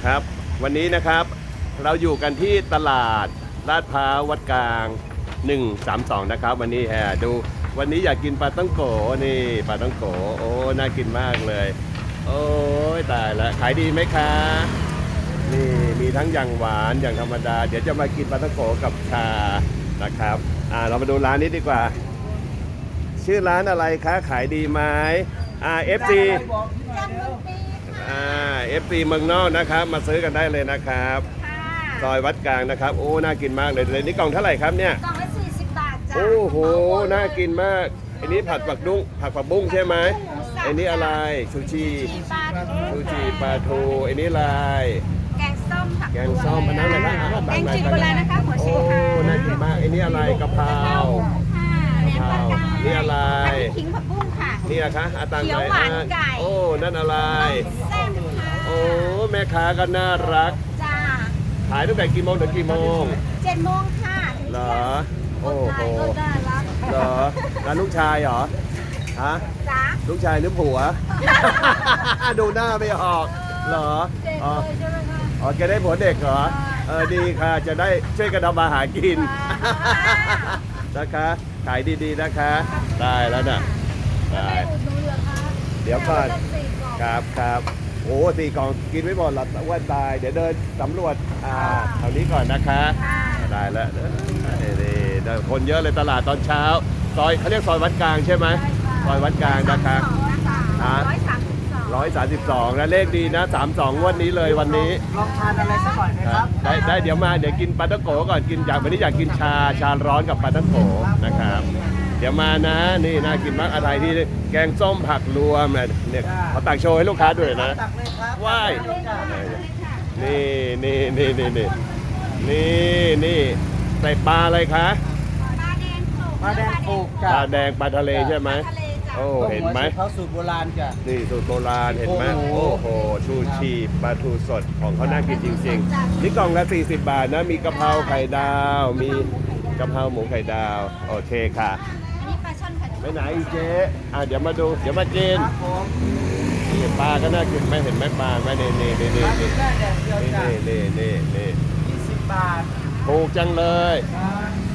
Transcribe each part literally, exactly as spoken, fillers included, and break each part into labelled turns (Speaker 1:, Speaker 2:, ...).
Speaker 1: ครับวันนี้นะครับเราอยู่กันที่ตลาดลาดพร้าววัดกลางหนึ่งสามสองนะครับวันนี้แฮดูวันนี้อยากกินปลาต้องโกนี่ปลาต้องโกโอ้น่ากินมากเลยโอ้ยตายแล้วขายดีไหมคะนี่มีทั้งอย่างหวานอย่างธรรมดาเดี๋ยวจะมากินปลาต้องโกกับชานะครับอ่าเรามาดูร้านนี้ดีกว่าชื่อร้านอะไรคะขายดีไหมอ่า เอฟ ซี อ่า เอฟ ซี เมืองนอกนะครับมาซื้อกันได้เลยนะครับซอยวัดกลางนะครับโอ้น่ากินมากเลยเลยนี่กล่องเท่าไหร่ครับเนี่ย
Speaker 2: กล่องละสี่สิบบาทจ้ะ
Speaker 1: โอ้โหน่ากินมากอันนี้ผัดผักดุ้งผักผักบุ้งใช่ไหมอันนี้อะไรชูชีชูชีปลาทูอันนี้อะไร
Speaker 2: แกงส้มผัก
Speaker 1: แกงส้มอันนั้นอะไรนะ
Speaker 2: แกงจืดโบราณนะคะหัว
Speaker 1: โอ้
Speaker 2: ชีค่ะ
Speaker 1: น่ากินมากอันนี้อะไรกะเพรา
Speaker 2: ค่ะแหนมปลากาย
Speaker 1: นี่อะไร
Speaker 2: ผัดขิงผักบุ้งค่ะ
Speaker 1: นี่นะคะอาตัง
Speaker 2: เขียวหวานไก่
Speaker 1: โอ้นั่นอะไร
Speaker 2: แซ่บค่ะ
Speaker 1: โอ้แม่ค้าก็น่ารัก
Speaker 2: จ้า
Speaker 1: ขายตั้งแต่กี่โมงถึงกี่โมง
Speaker 2: เจ็ดโมงค่ะ
Speaker 1: เหรอโอ้โห
Speaker 2: ก็ได้รับ
Speaker 1: เหรอร้านลูกชายเหรอฮะ
Speaker 2: จ้า
Speaker 1: ลูกชายหรือผัว ดูหน้าไม่ออกเหรอ
Speaker 2: เด็ก
Speaker 1: อ๋อ
Speaker 2: เลยใช่ไหมคะ
Speaker 1: อ๋อแกได้ผัวเด็กเหรอเออดีค่ะจะได้ช่วยกันทำมาหากิน นะคะขายดีๆนะคะได้แล้วน่ะได้
Speaker 2: อุดหนุนเหรอคะ
Speaker 1: เดี๋ยวก่อน
Speaker 2: าจะสี่กล่อง
Speaker 1: ครับครับโอ้สี่กล่องกินไม่หมดหรอกอ้วนตายเดี๋ยวเดินสำรวจอ่าแถวนี้ก่อนนะคะ
Speaker 2: ค่ะ
Speaker 1: ได้แล้วนี่นี่คนเยอะเลยตลาดตอนเช้าซอยเขาเรียกซอยวัดกลางใช่ไหมซอยวัดกลางนะคะ
Speaker 2: ร้อยสามสิบสอง
Speaker 1: ร้อยสามสิบสองนะเลขดีนะสามสองวันนี้เลยวันนี้
Speaker 3: ลองทานอะไรสักหน่อยไหมครับ
Speaker 1: ได้ได้เดี๋ยวมาเดี๋ยวกินปลาตั้งโกก่อนกินอยากวันนี้อยากกินชาชาร้อนกับปลาตั้งโกนะครับเดี๋ยวมานะนี่น่ากินมากอะไรที่แกงส้มผักรวมเนี่ยเขาตักโชว์ให้ลูกค้าด้วยนะ
Speaker 3: ตักเลยครับ
Speaker 1: ว้ายนี่นี่นี่นี่นี่นี่นี่ใส่ปลาอะไรคะ
Speaker 2: ปลาแดงโขก
Speaker 3: ปลาแดงปลูก
Speaker 1: ปลาแดงปลาทะเลใช่ไหม
Speaker 2: ทะเลจ้ะ
Speaker 1: โอ้เห็นไหม
Speaker 3: เขาสูตรโบราณจ้ะ
Speaker 1: นี่สูตรโบราณเห็นไหม
Speaker 3: โอ้
Speaker 1: โอ้
Speaker 3: โห
Speaker 1: โหชูชีปลาทูสดของเขาน่ากินจริงๆนี่กล่องละสี่สิบบาทนะมีกะเพราไข่ดาวมีกะเพราหมูไข่ดาวโอเคค่ะ
Speaker 2: อันนี้ปลาช่อนผัด
Speaker 1: ไปไหนอีเจ๊อ่ะเดี๋ยวมาดูเดี๋ยวมากิน
Speaker 3: ครับผม
Speaker 1: นี่ปลาก็น่ากินไหมเห็นไหมปลาไหมนี่นี่นี่นี่
Speaker 3: ร้าน
Speaker 1: นี่
Speaker 3: นี้ได้แดดเดียวจ้ะ
Speaker 1: นี่นี่นี่นี่
Speaker 3: ยี่สิบบาท
Speaker 1: ถูกจังเลย
Speaker 3: ครับ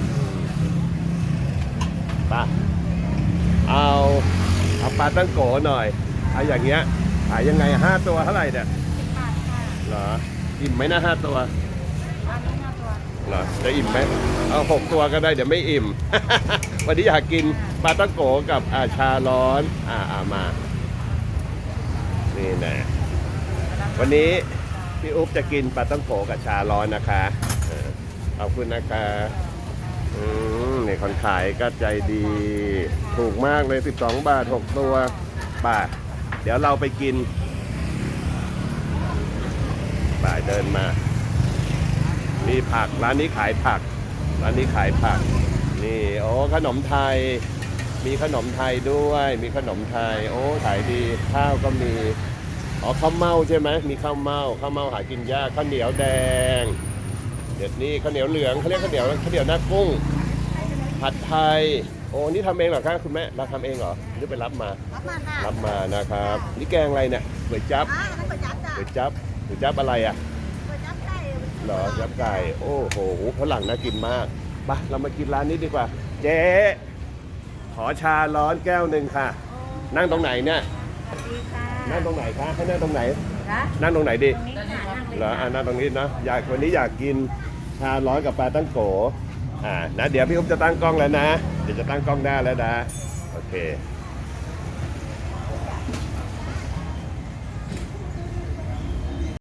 Speaker 1: ปลาเอาเอาปลาตั้งโกหน่อยเอาอย่างเงี้ยขายยังไงห้าตัวเท่าไหร่เนี่ย
Speaker 2: สิบบาทค่ะ
Speaker 1: เหรออิ่มไหมนะห้าตัว
Speaker 2: อันนี้ห้าตัว
Speaker 1: เหรอจะอิ่มไหมเอาหกตัวก็ได้เดี๋ยวไม่อิ่ม วันนี้อยากกินปลาตั้งโกกับอาชาร้อนอ่าอามานี่นะวันนี้พี่อุ๊บจะกินปลาตั้งโกกับชาร้อนนะคะเออขอบคุณนะคะอืมนี่คนขายก็ใจดี ถูกมากเลยสิบสองบาทหกตัวบาทเดี๋ยวเราไปกินบ่ายเดินมามีผักร้านนี้ขายผักร้านนี้ขายผักนี่โอ้ขนมไทย มีขนมไทยด้วย มีขนมไทย โอ้ขายดีข้าวก็มีอ๋อข้าวเม่าใช่ไหมมีข้าวเม่าข้าวเม่าหากินยากข้าวเหนียวแดงเดี๋ยวนี้ข้าวเหนียวเหลืองเขาเรียกข้าวเหนียวข้าวเหนียวหน้ากุ้งผัดไทยโอ้นี่ทำเองเหรอครับคุณแม่เราทำเองเหรอหรือไปรับมา
Speaker 2: รับมาค่ะ
Speaker 1: รับมานะครับนี่แกงอะไรเนี่ยก๋วยจั๊บ
Speaker 2: อ่าอันนั้นก๋วยจั๊บจ้ะ
Speaker 1: ก๋วยจั๊บก๋วยจั๊บอะไรอ่ะ
Speaker 2: ก๋วยจั๊บไก่
Speaker 1: เหรอจับไก่โอ้โหฝรั่งน่ากินมากไปเรามากินร้านนี้ดีกว่า เจ๊ขอชาร้อนแก้วหนึ่งค่ะ นั่งตรงไหนเนี่ย
Speaker 2: สวัสดีค่ะ
Speaker 1: นั่งตรงไหนคะให้นั่งตรงไหน
Speaker 2: นะ
Speaker 1: นั่งตรงไหนดี
Speaker 2: ตรงนี้ค่ะนั่งเลย
Speaker 1: เหรออ่านั่งตรงนี้นะอยากวันนี้อยากกินชาร้อนกับปลาตั้งโกอ่านะเดี๋ยวพี่อุ๊บจะตั้งกล้องแล้วนะเดี๋ยวจะตั้งกล้องหน้าแล้วนะโอเค